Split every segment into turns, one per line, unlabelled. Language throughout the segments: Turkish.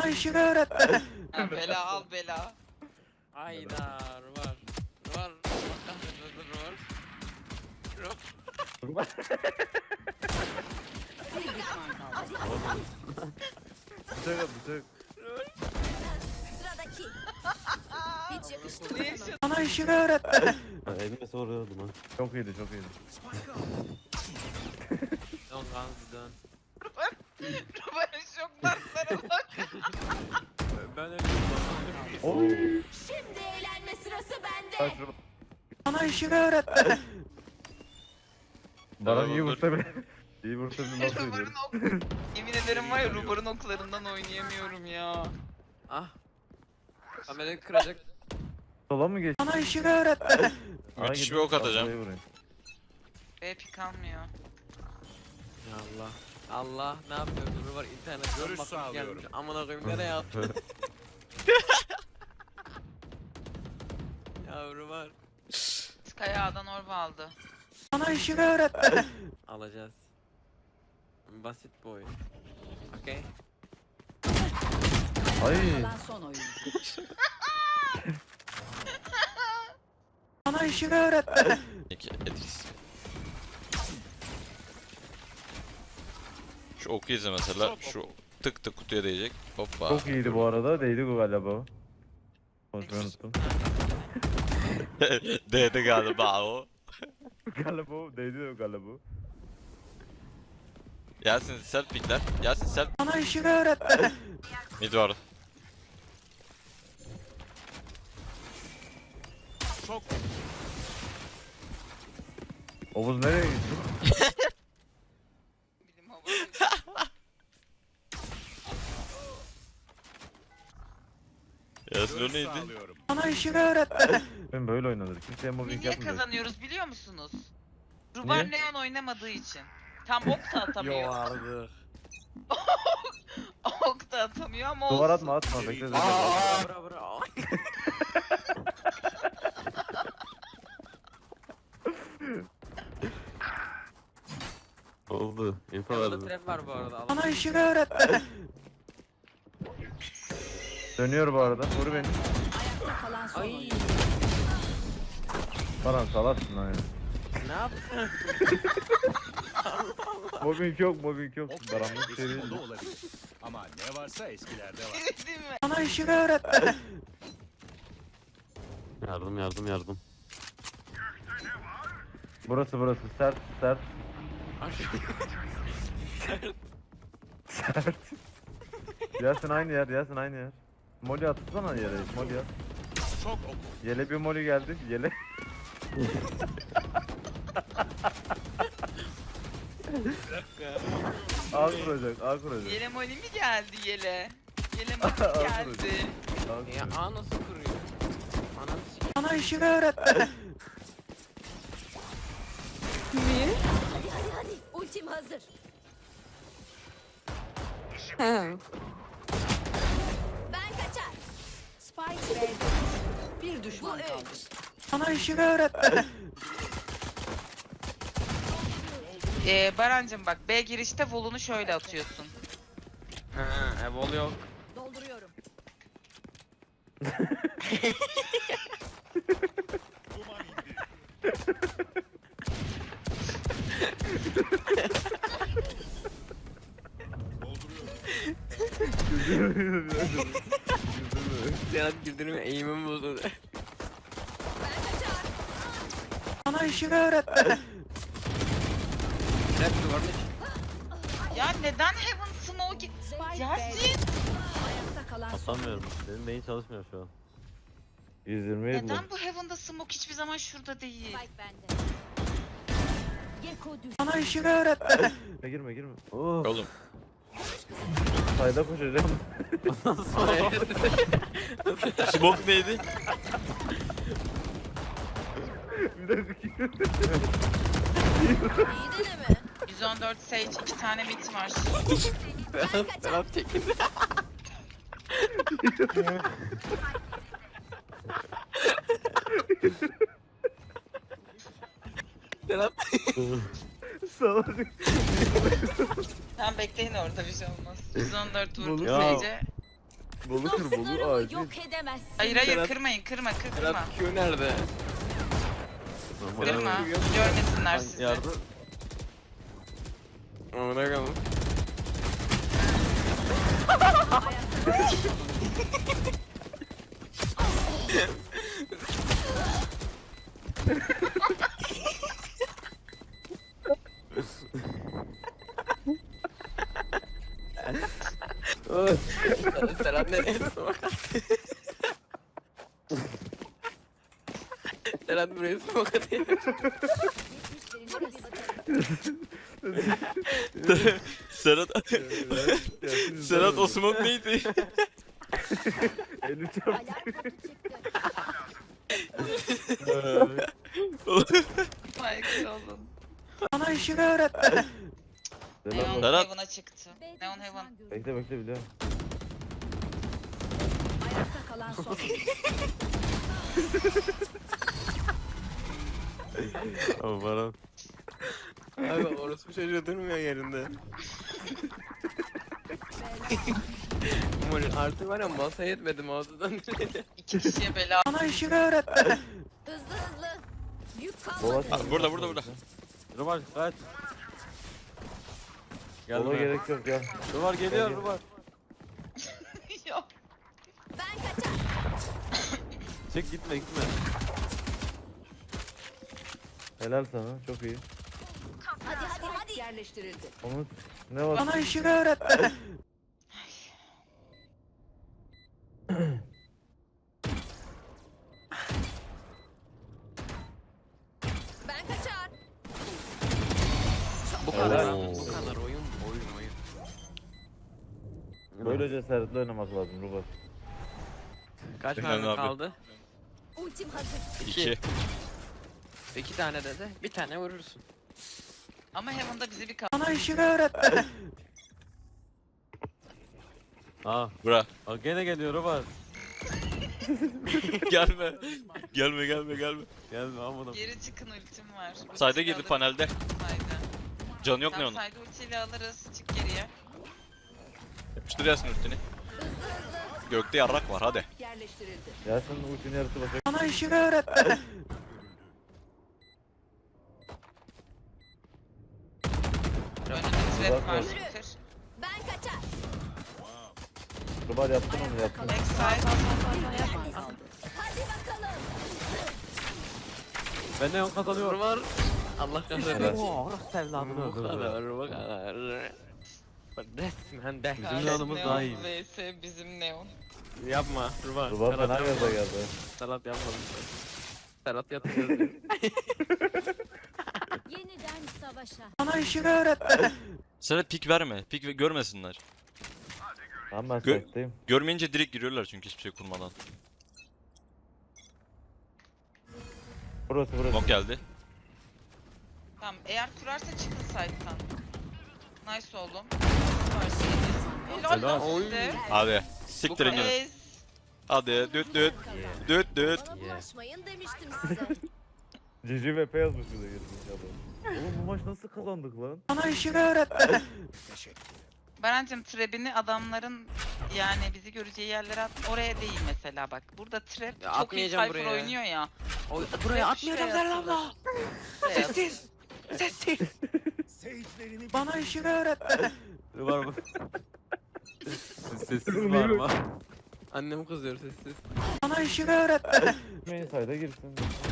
Bana işimi öğretti.
Ha, bela al bela.
Ayda var. Var.
Bir düşman kaldı.
Bıçak at bıçak.
Sıradaki. Hiç yakıştı mı
Ne
sana?
yaşadın?
Bana işimi öğretti.
Elime soruyordum ha.
Çok iyiydi çok iyiydi.
Don't guns dön.
Ruben şok danslara bak.
Ben öyle
Oy.
Şimdi eğlenme sırası
Kaç
bende.
şurada. Bana işimi öğretti. Bana iyi
Tamam,
vursa bile. İyi vursa bile nasıl
Ruben'in
ediyorum.
ok... Yemin ederim var ya Ruben'in oklarından oynayamıyorum ya.
Ah. Kamerayı kıracak.
Sola mı geç? Bana işimi öğretti.
Müthiş bir ok atacağım.
B pik almıyor.
Ya Allah. Allah ne yapıyor? Dur var internetten
Görüş
bakıp
sağlıyorum.
gelmiş. Amına koyayım nereye attı? Yavru var.
Sky A'dan orba aldı.
Bana işimi öğretti.
Alacağız. Basit bu oyun. Okey.
Ay.
Kalan son oyun.
Bana işimi öğretti.
Etkisiz. Şu oku izle mesela. Şu tık tık kutuya değecek. Hoppa.
Çok iyiydi bu arada. Değdi bu galiba. Konuşmayı unuttum.
Değdi galiba o.
Galiba değdi o galiba.
Yasin self pickler. Yasin self.
Bana işimi öğretti.
Mid var.
Çok
Oğuz nereye gitti?
Bilim havası.
Yasin o
görüş
neydi?
sağlıyorum.
Bana işimi öğretti. Ben böyle oynanır. Kimseye
Biz
mobbing
niye
yapmıyor.
kazanıyoruz biliyor musunuz? Ruben Leon oynamadığı için. Tam ok da
Yo
atamıyor.
artık.
Ok da atamıyor ama olsun.
Duvar atma atma bekle bekle.
Bura bura.
Oldu. İnfo
Burada
verdim.
trap var bu arada. Al.
Bana işimi öğretti. Dönüyor bu arada. Vur beni.
Ayakta kalan son
Ay.
oyun.
Baran salarsın lan ya.
Ne yaptın?
Mobbing yok mobbing yok.
Ok
Baranlık şey değil.
eski moda olabilir. Ama ne varsa eskilerde var.
Değil mi?
Bana işimi öğretti.
Yardım yardım yardım.
Burası sert sert sert. Yasin aynı yer Yasin aynı yer. Molly atsana yere Molly at.
Çok oku.
Yele bir Molly geldi yele. A kuracak A kuracak.
Yele Moli mi geldi Yele? Yele Moli
Al
mi geldi?
A
Ya
kuracak.
A nasıl kuruyor? Ananı sikeyim.
Bana işimi öğretti.
Hadi hadi hadi. Ultim hazır. Ben kaçar. Spike B'de. Bir düşman kaldı.
Bana işimi öğretti.
Barancım bak B girişte volunu şöyle atıyorsun.
Ha, evol yok.
Dolduruyorum.
Duman indi.
Serhat güldürme eğimim bozuldu.
Ben kaçar.
Bana işimi öğretti.
Trap duvarını
Ya neden Heaven Smoke?
Spike
Yasin!
B'de. Ayakta kalan son oyun.
Atamıyorum. Benim beyin çalışmıyor şu an.
120 yedi.
Neden bu Heaven'da Smoke hiçbir zaman şurada değil?
Spike bende. Gecko düş.
Bana işimi öğretti. girme girme. Oh.
Oğlum.
Sayda koşacağım.
Smoke neydi?
Bir dakika.
İyi deneme.
114 Sage 2 tane mid var.
Serhat çekin. Serhat.
Salak.
Sen bekleyin orada bir şey olmaz. 114 vurdu
Ya.
Sage'e.
Bolu kır bolu
Dostlarımı
acil.
yok edemezsin.
Hayır hayır
Serhat-
kırmayın kırma.
Serhat Q nerede?
Kırma. Görmesinler sizi.
Yardım.
Amına koyayım. Serhat nereye smoke attı? Serhat buraya smoke atıyor.
Serhat Serhat o smoke neydi?
Eli çarptı.
Saygı olun.
Bana işimi öğretti.
Neon
Selam.
Serhat.
Heaven'a çıktı. Neon Heaven.
Bekle bekle biliyorum.
Ayakta kalan son.
Ama Baran.
Abi orospu çocuğu durmuyor yerinde. Umarım artık var ya masaya yetmedim ağzından.
2 kişiye bela.
Bana işimi öğretti.
Hızlı hızlı. Yük
Bola
kalmadı.
Burada.
Rubar kaç.
Bola
Gelme.
gerek yok ya.
Rubar geliyor
Gel.
Rubar.
Yok.
Ben kaçar.
Çık gitme.
Helal sana çok iyi.
Hadi. Yerleştirildi.
Onu ne var?
Bana işimi öğretti.
Ben kaçar.
Bu kadar.
Oo.
Bu kadar oyun.
Böyle cesaretli oynamak lazım Rubat.
Kaç
Efendim
mermi
abi.
kaldı?
Ultim hazır.
2.
2 tane dedi. Bir tane vurursun.
Ama Heaven'da bize bir
Bana işimi öğretti.
Aa.
Bura.
Bak gene geliyor Rubar.
Gelme. Gelme.
Gelme amına.
geri çıkın ultim var.
Sayda
Ultiyle
girdi
alırız.
panelde.
Sayda.
Canı yok ne
Tamam
onun.
sayda ultiyle alırız. Çık geriye.
Yapıştır Yasin ultini. Gökte yarrak var hadi.
Yerleştirildi.
Yasin'in ultinin yarısı başa.
Bana işimi öğretti.
Önünde trap var.
Yürü.
Kır.
Ben kaçar.
Rubat yaptın onu yaptın.
Backside.
Hadi bakalım.
Ben de yon kazanıyorum.
Var. Allah kahretsin.
Evet.
Oo, orası evladını
Bu
öldürdü.
kadar, bu kadar. Resmen de.
Bizim yanımız
Neon
daha iyi.
vs bizim Neon.
Yapma. Rubar.
Rubat
Serhat
fena
yapma.
gaza geldi.
Serhat yapmadım. Serhat yatırıyoruz.
Yeniden savaşa.
Bana işimi öğretti.
Serhat pik verme. Pik görmesinler.
Tamam ben
Gö-
site'deyim.
Görmeyince direkt giriyorlar çünkü hiçbir şey kurmadan.
Burası.
Smoke geldi.
Tamam eğer kurarsa çıkın site'tan. Nice oğlum. Helal
Helal.
lan
Oy.
size.
Hadi. Siktirin gidin.
Ez.
Hadi düt.
Bana bulaşmayın demiştim size.
Cici ve P yazmış bize girmiş adam. Oğlum bu maç nasıl kazandık lan?
Bana işimi öğretti.
Barancım trap'ini adamların yani bizi göreceği yerlere at. Oraya değil mesela bak. Burada trap
Ya
çok iyi
atmayacağım
Cypher
buraya.
oynuyor ya.
Buraya
Trap
atmayacağım
şuraya
Serhat abla.
Buraya at.
Sessiz. Sessiz.
Seyircilerini
Bana işimi öğretti.
Rubar mı? Sessiz var mı?
Annem kızıyor sessiz. Bana işimi öğretti.
Main side'a girsin.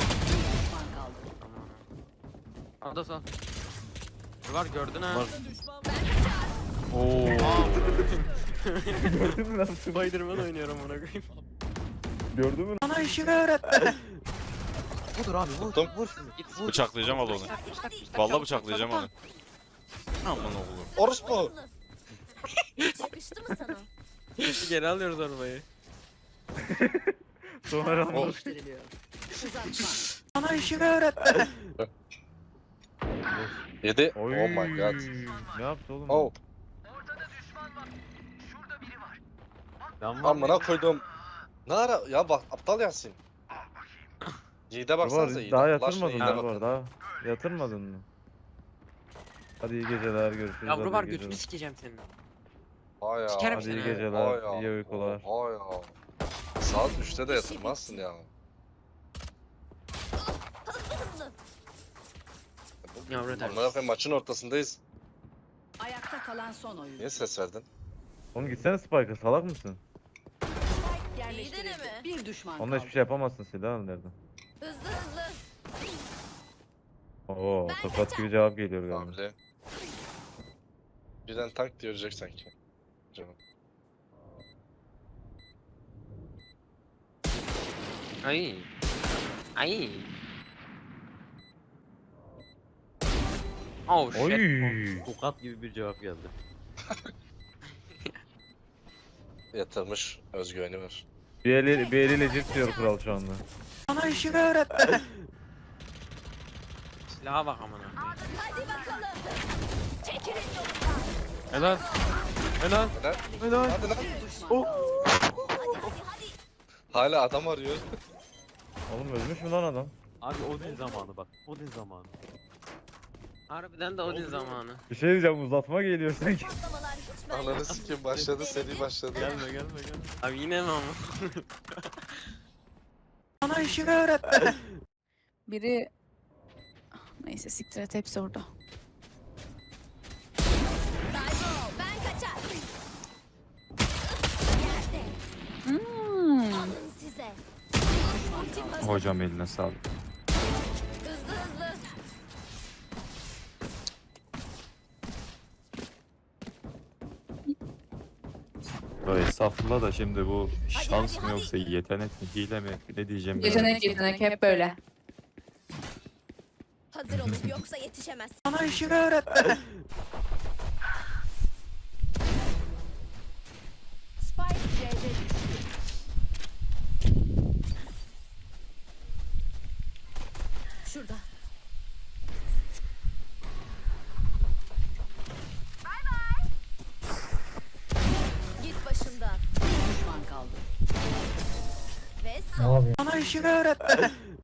Ada sal. Var gördün ha.
Var.
Oo.
Gördün mü lan?
Spiderman oynuyorum ona koyayım.
Gördün mü?
Bana işimi öğretti.
Budur abi vur.
Tuttum.
Vur şunu.
Git vur.
Bıçaklayacağım al onu. Vallahi bıçaklayacağım onu. Aman oğlum.
Orospu. Yakıştı mı sana?
Geri alıyoruz arabayı.
Sonra
Yerleştiriliyor. Uzatma.
Bana işimi öğretti.
Yedi.
Oy.
Oh my god.
Ne yaptı oğlum?
Oh.
Can var
Amına
mı?
koydum. Ne ara? Ya bak aptal Yasin. Yiğit'e baksanıza
Rubar
Yiğit'e.
daha
Allah
yatırmadın
aşkına
mı
Yiğit'e
Rubar
bakın.
daha? Yatırmadın mı? Hadi iyi geceler görüşürüz.
Ya
hadi
Rubar
iyi
götünü
geceler.
sikeceğim senin.
Hay
Sikerim
Hadi iyi
seni.
geceler, iyi uykular.
Hay ya. Saat 3'te de yatırmazsın ya.
Hızlı.
Yavru
Amına koyayım maçın ortasındayız.
Ayakta kalan son oyun.
Niye ses verdin?
Oğlum gitsene Spike'a, salak mısın?
Yerleştirildi.
deneme.
Bir düşman
Onunla
kaldı.
hiçbir şey yapamazsın, silah al nereden?
Hızlı.
Oo, tokat gibi cevap geliyor galiba.
Hamle. Birden tank diye ölecek sanki. Canım.
Ay. Ay. Oh shit.
Oy.
Tokat gibi bir cevap geldi.
Yatırmış özgüveni var.
Bir eliyle cips diyor kral şu anda.
Bana işimi öğretti. Silaha bak amına.
Hadi bakalım. Çekilin yolundan.
Helal. Helal.
Helal.
Helal.
Hadi lan.
Bir düşman kaldı.
Hadi.
Hala adam arıyor.
Oğlum ölmüş mü lan adam?
Abi Odin zamanı bak. Odin zamanı.
Harbiden de Odin zamanı.
Bir şey diyeceğim, uzatma geliyor sanki.
Patlamalar hiç ben
Ananı sikim başladı seri başladı.
Gelme gelme gelme.
Abi yine mi ama? Bana işimi öğretti.
Biri... Neyse siktir et, hepsi orada.
Ben kaçar. Yerde.
Hmm.
Alın size. Ultim hazır.
Hocam eline sağlık.
Hızlı.
Böyle estağfurullah da şimdi bu
Hadi,
şans
hadi,
mı yoksa yetenek mi, hile mi, ne diyeceğim
Yetenek hep böyle.
Hazır olun yoksa yetişemez.
Bana işimi öğretti.
Spike C'de düştü.
Şurada. Git başımdan.
Bir düşman kaldı.
Ve son.
Bana işimi öğretti.